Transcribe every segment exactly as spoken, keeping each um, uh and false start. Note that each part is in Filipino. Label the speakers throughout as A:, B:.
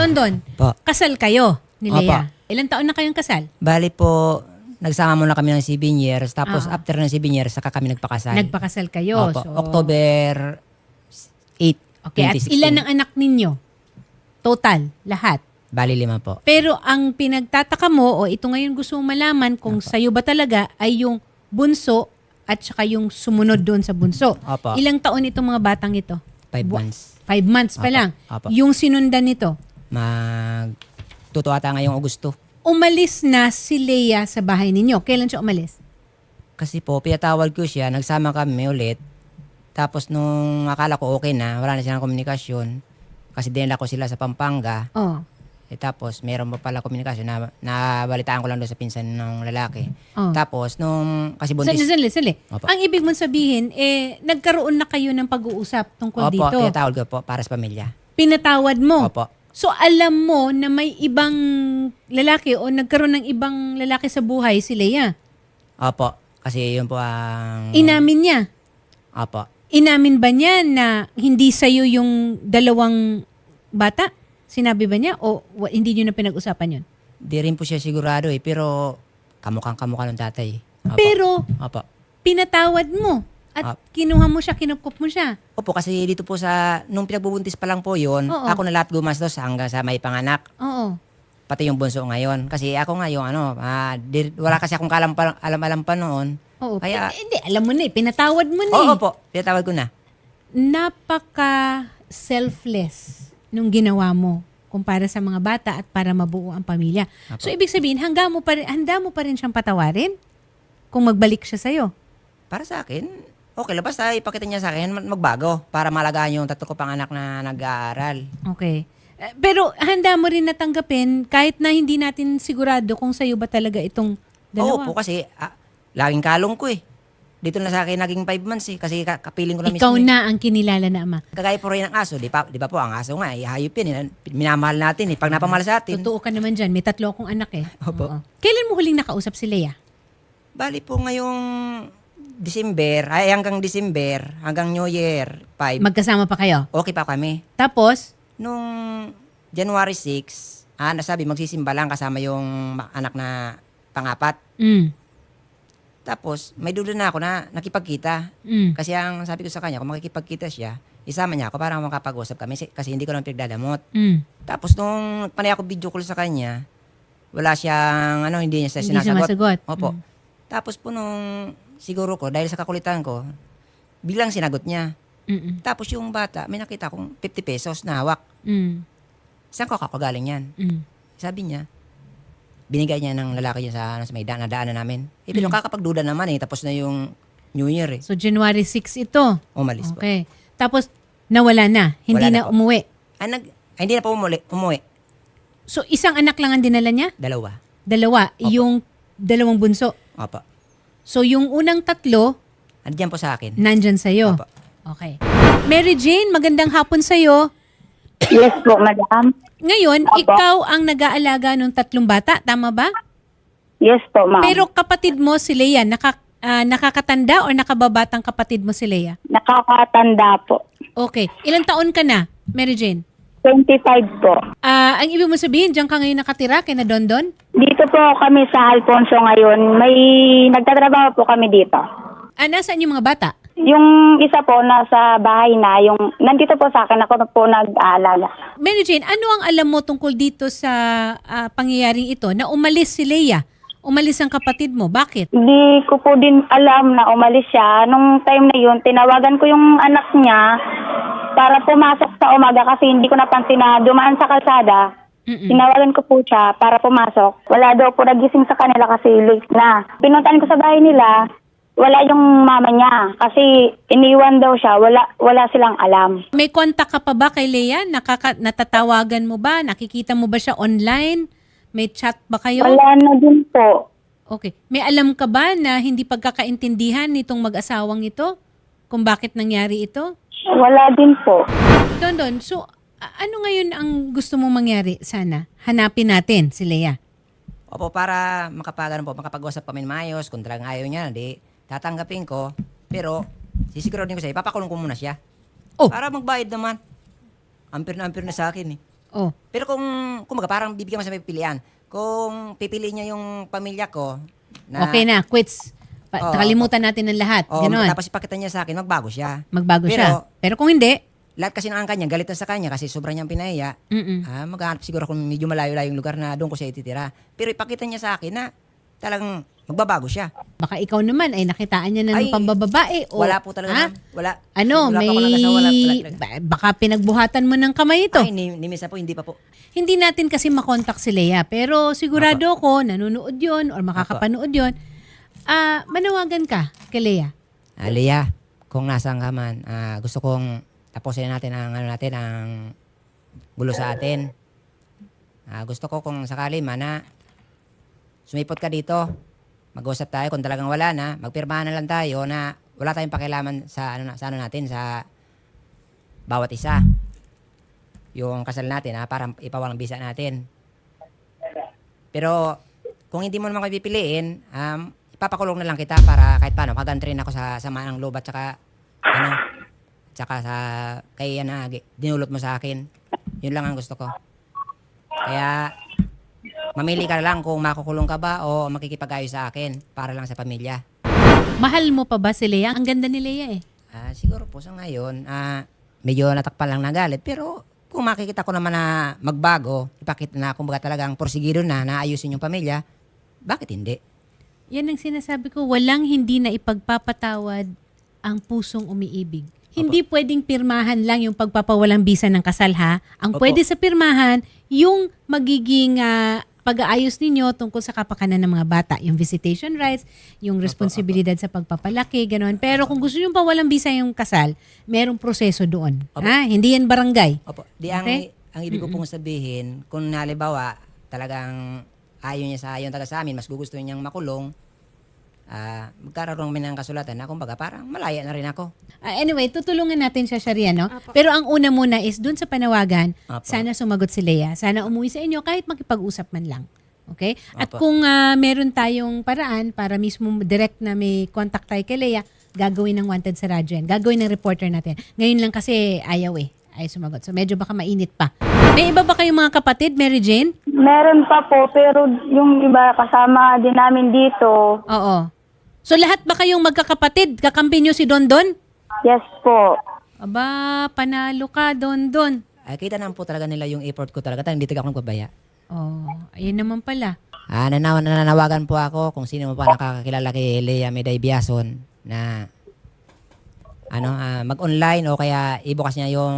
A: Dondon,
B: Po.
A: kasal kayo ni
B: Opo.
A: Lea. Ilang taon na kayong kasal?
B: Bali po, nagsama muna kami ng seven years. Tapos
A: Ah.
B: after ng seven years, saka kami nagpakasal.
A: Nagpakasal kayo.
B: Opo.
A: So,
B: October eighth,
A: Okay, at
B: twenty sixteen.
A: ilan ang anak ninyo? Total, lahat.
B: Bali lima po.
A: Pero ang pinagtataka mo, o ito ngayon gusto mong malaman kung sa'yo ba talaga ay yung bunso at saka yung sumunod doon sa bunso.
B: Opo.
A: Ilang taon itong mga batang ito?
B: Five
A: Bu-
B: months.
A: Five months pa
B: Opo.
A: lang.
B: Opo.
A: Yung sinundan nito,
B: Mag... Totoo ata ngayong Agosto.
A: umalis na si Lea sa bahay ninyo. Kailan siya umalis?
B: Kasi po, pinatawag ko siya, nagsama kami ulit. Tapos nung akala ko okay na, wala na silang komunikasyon. Kasi dinala ko sila sa Pampanga.
A: Oh.
B: Eh, tapos meron pa pala komunikasyon na nabalitaan ko lang doon sa pinsan ng lalaki.
A: Oh.
B: Tapos nung, kasi
A: Sali,
B: buntis.
A: sali, sali.
B: Opo.
A: Ang ibig mong sabihin, eh, nagkaroon na kayo ng pag-uusap tungkol
B: Opo,
A: dito.
B: pinatawag ko po para sa pamilya.
A: Pinatawad mo.
B: Opo.
A: So, alam mo na may ibang lalaki o nagkaroon ng ibang lalaki sa buhay si Lea.
B: Opo. Kasi yun po ang...
A: Inamin niya.
B: Opo.
A: Inamin ba niya na hindi sa'yo yung dalawang bata? Sinabi ba niya o wa- hindi niyo na pinag-usapan yun?
B: Di rin po siya sigurado eh. Pero kamukhang kamukha ng tatay. Opo.
A: Pero,
B: Opo.
A: pinatawad mo. At
B: Opo.
A: kinuha mo siya, kinupkup mo siya.
B: Opo, kasi dito po sa... Nung pinagbubuntis pa lang po yun,
A: Oo.
B: ako na lahat gumastos hanggang sa may panganak.
A: Oo.
B: Pati yung bunso ngayon. Kasi ako nga yung ano, ah, di- wala kasi akong kalam pa, alam-alam pa noon.
A: Oo.
B: Kaya-
A: Eh, hindi, alam mo na eh. Pinatawad mo na eh.
B: Oo po, pinatawag ko na.
A: Napaka-selfless nung ginawa mo kumpara sa mga bata at para mabuo ang pamilya.
B: Apo.
A: So, ibig sabihin, handa mo pa rin, handa mo pa rin siyang patawarin kung magbalik siya sa'yo.
B: Para sa akin, okay lang. Basta ipakita niya sa akin, mag- magbago para malagaan yung tatlo ko pang anak na nag-aaral.
A: Okay. Eh, Pero handa mo rin natanggapin kahit na hindi natin sigurado kung sa'yo ba talaga itong
B: Oo
A: dalawa.
B: po, kasi ah, laging kalong ko eh. Dito na sa akin naging five months eh. Kasi ka- kapiling ko na
A: Ikaw
B: mismo eh.
A: na ang kinilala na ama.
B: Kagaya po rin ng aso, di, pa, di ba po, ang aso nga, eh, hayop yun. Eh. Minamahal natin eh. Pag napamahal sa atin.
A: Totoo ka naman dyan. May tatlo akong anak eh.
B: Opo.
A: Oo. Kailan mo huling nakausap si Lea?
B: Bali po ngayong December, ay hanggang December, hanggang New Year five,
A: Magkasama pa kayo?
B: okay pa kami.
A: Tapos,
B: Nung January sixth, ah, nasabi magsisimba lang kasama yung ma- anak na pangapat.
A: mm,
B: Tapos, may duda na ako na nakipagkita.
A: mm,
B: Kasi ang sabi ko sa kanya, kung makikipagkita siya, isama niya ako para makapag-usap kami si- kasi hindi ko naman pinagdadamot.
A: mm.
B: Tapos, nung panay ako video call sa kanya, wala siyang, ano, hindi niya siya
A: Hindi siya
B: sinasagot.
A: masagot.
B: Opo.
A: Mm.
B: Tapos po nung, siguro ko, dahil sa kakulitan ko, bilang sinagot niya.
A: Mm-mm.
B: Tapos yung bata, may nakita kong fifty pesos na hawak.
A: Mm.
B: Saan ko kakagaling yan?
A: Mm.
B: Sabi niya, binigay niya ng lalaki niya sa, ano, sa may daan, nadaanan namin. Eh, pero kakapagduda naman eh, tapos na yung New Year eh.
A: So, January sixth ito.
B: Umalis po.
A: Okay. Tapos, nawala na. Hindi
B: Wala
A: na,
B: na po.
A: umuwi.
B: Ay, nag, ay, hindi na po umuli, umuwi.
A: So, isang anak lang ang dinala niya?
B: Dalawa.
A: Dalawa.
B: Opo.
A: Yung dalawang bunso.
B: Opo.
A: So, yung unang tatlo,
B: Andiyan po sa akin.
A: nandyan sa'yo.
B: Opo.
A: Okay. Mary Jane, magandang hapon sa'yo.
C: Yes po, madam.
A: Ngayon,
C: Opo.
A: ikaw ang nag-aalaga ng tatlong bata. Tama ba?
C: Yes po, ma'am.
A: Pero kapatid mo si Lea, naka, ah, nakakatanda o nakababatang kapatid mo si Lea?
C: Nakakatanda po.
A: Okay. Ilang taon ka na, Mary Jane?
C: twenty-five po.
A: Ah, ang ibig mo sabihin, diyan ka ngayon nakatira kay na Dondon?
C: Dito po kami sa Alfonso ngayon. May nagtatrabaho po kami dito.
A: Ah, nasaan yung mga bata?
C: Yung isa po nasa bahay na, yung nandito po sa akin, ako na po nag-aalaga.
A: Mary Jane, ano ang alam mo tungkol dito sa ah, pangyayaring ito na umalis si Lea? Umalis ang kapatid mo. Bakit?
C: Hindi ko po din alam na umalis siya. Nung time na yun, tinawagan ko yung anak niya para pumasok sa umaga kasi hindi ko napansin na dumaan sa kalsada.
A: Mm-mm.
C: Tinawagan ko po siya para pumasok. Wala daw po nagising sa kanila kasi late na. Pinuntahan ko sa bahay nila, wala yung mama niya kasi iniwan daw siya, wala wala silang alam.
A: May kontak ka pa ba kay Lea? Nakaka- natatawagan mo ba? Nakikita mo ba siya online? May chat ba kayo?
C: Wala na din po.
A: Okay. May alam ka ba na hindi pagkakaintindihan nitong mag-asawang ito? Kung bakit nangyari ito?
C: Wala din po.
A: Dondon, so a- ano ngayon ang gusto mong mangyari sana? Hanapin natin si Lea.
B: Opo, para makapagano po, makapag-usap kami ng maayos. Kung talagang ayaw niya, di, tatanggapin ko. Pero, sisiguraduhin ko siya, ipapakulong ko muna siya.
A: Oh.
B: Para magbayad naman. Ampir na ampir na sa akin eh.
A: Oh,
B: Pero kung, kumbaga, parang bibigyan mo sa may pipilian. Kung pipiliin niya yung pamilya ko, na,
A: okay na, quits. Pa-
B: Oo.
A: kalimutan natin ng lahat.
B: o,
A: Ganon.
B: tapos ipakita niya sa akin, magbago siya.
A: Magbago
B: Pero,
A: siya. Pero kung hindi,
B: lahat kasi ng angka niya, galit na sa kanya kasi sobrang niyang pinaya.
A: mm
B: Ah, maghanap siguro kung medyo malayo-layo yung lugar na doon ko siya ititira. Pero ipakita niya sa akin na talagang magbabago siya.
A: baka ikaw naman ay nakitaan niya na ng
B: Ay,
A: pambababae. O,
B: wala po talaga.
A: ha?
B: ma'am. Wala.
A: Ano,
B: Wala
A: may...
B: pa ako nag-asawa, wala- wala talaga.
A: ba- baka pinagbuhatan mo ng kamay ito.
B: Ay, ni, ni Misa po, hindi pa po.
A: Hindi natin kasi makontak si Lea. Pero sigurado ko, nanonood yon or makakapanood yon. Ah, manawagan ka kay Lea.
B: Ah, Lea, kung nasaan ka man, ah, gusto kong tapusin natin ang ano natin, ang gulo sa atin. Ah, gusto ko kung sakali man na sumipot ka dito, mag-usap tayo kung talagang wala na, magpirmahan na lang tayo na wala tayong pakialaman sa ano, na- sa ano natin, sa bawat isa. Yung kasal natin, ha, para ipawalang bisa natin. Pero kung hindi mo naman kayo pipiliin, um, ipapakulong na lang kita para kahit paano, magantrin ako sa sama ng loob at saka, ano, tsaka sa, kay yan na, gi- dinulot mo sa akin. Yun lang ang gusto ko. Kaya, mamili ka na lang kung makukulong ka ba o makikipag-ayos sa akin para lang sa pamilya.
A: Mahal mo pa ba si Lea? Ang ganda ni Lea eh.
B: Ah, siguro po sa ngayon, ah, medyo natakpan lang ng galit. Pero kung makikita ko naman na magbago, ipakita na kumbaga talagang porsigido na, naayusin yung pamilya, bakit hindi?
A: Yan ang sinasabi ko, walang hindi na ipagpapatawad ang pusong umiibig. Hindi pwedeng pirmahan lang yung pagpapawalang bisa ng kasal ha. Ang
B: Opo.
A: pwede sa pirmahan, yung magiging ah, pag-aayos ninyo tungkol sa kapakanan ng mga bata. Yung visitation rights, yung responsibilidad sa pagpapalaki, gano'n. Pero kung gusto nyo pa walang bisa yung kasal, merong proseso doon.
B: Opo.
A: Ha? Hindi yan barangay.
B: Opo. Di ang,
A: Okay?
B: ang ibig ko pong sabihin, kung halimbawa talagang ayaw niya sa ayaw taga sa amin, mas gugusto niyang makulong, ah magkaroon kami ng kasulatan na kumbaga parang malaya na rin ako.
A: Ah, anyway, tutulungan natin siya, Sharia, no? Pero ang una muna is dun sa panawagan,
B: Apo.
A: sana sumagot si Lea. Sana umuwi sa inyo kahit makipag-usap man lang. Okay? At
B: Apo.
A: kung ah, meron tayong paraan para mismo direct na may contact tayo kay Lea, gagawin ng wanted sa radyo yan. Gagawin ng reporter natin. Ngayon lang kasi ayaw eh. Ayaw sumagot. So medyo baka mainit pa. May iba ba kayong mga kapatid, Mary Jane?
C: Meron pa po, pero yung iba kasama din namin dito,
A: Oo. So lahat ba kayong magkakapatid? Kakampi nyo si Dondon?
C: yes po.
A: Aba, panalo ka, Dondon.
B: Ay, kita naman po talaga nila yung effort ko talaga. Talagang hindi talaga ako nagbabaya.
A: Oh, ayun naman pala.
B: Ah, nanaw, nananawagan po ako kung sino mo pa nakakakilala kay Lea Meday Biason na ano, ah, mag-online o kaya ibukas niya yung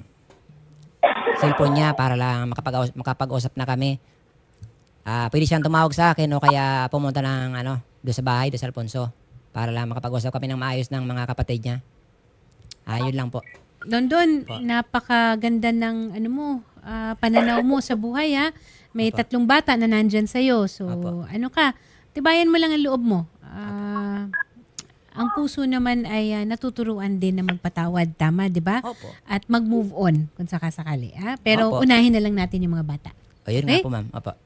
B: cellphone niya para lang makapag makapag-usap na kami. Ah, pwede siyang tumawag sa akin o kaya pumunta ng ano, doon sa bahay, doon sa Alfonso para lang makapag-usap kami ng maayos ng mga kapatid niya. Ah, yun lang po.
A: Dondon,
B: Po.
A: napakaganda ng ano mo, ah, pananaw mo sa buhay ha. May
B: Opo.
A: tatlong bata na nandyan sa'yo. So,
B: Opo.
A: ano ka, tibayan mo lang ang loob mo. Ah, ang puso naman ay ah, natuturuan din na magpatawad. Tama, di ba?
B: Opo.
A: At mag-move on kung sakasakali. Ha? Pero
B: Opo.
A: unahin na lang natin yung mga bata.
B: O, yun
A: Okay?
B: nga po, ma'am. Opo.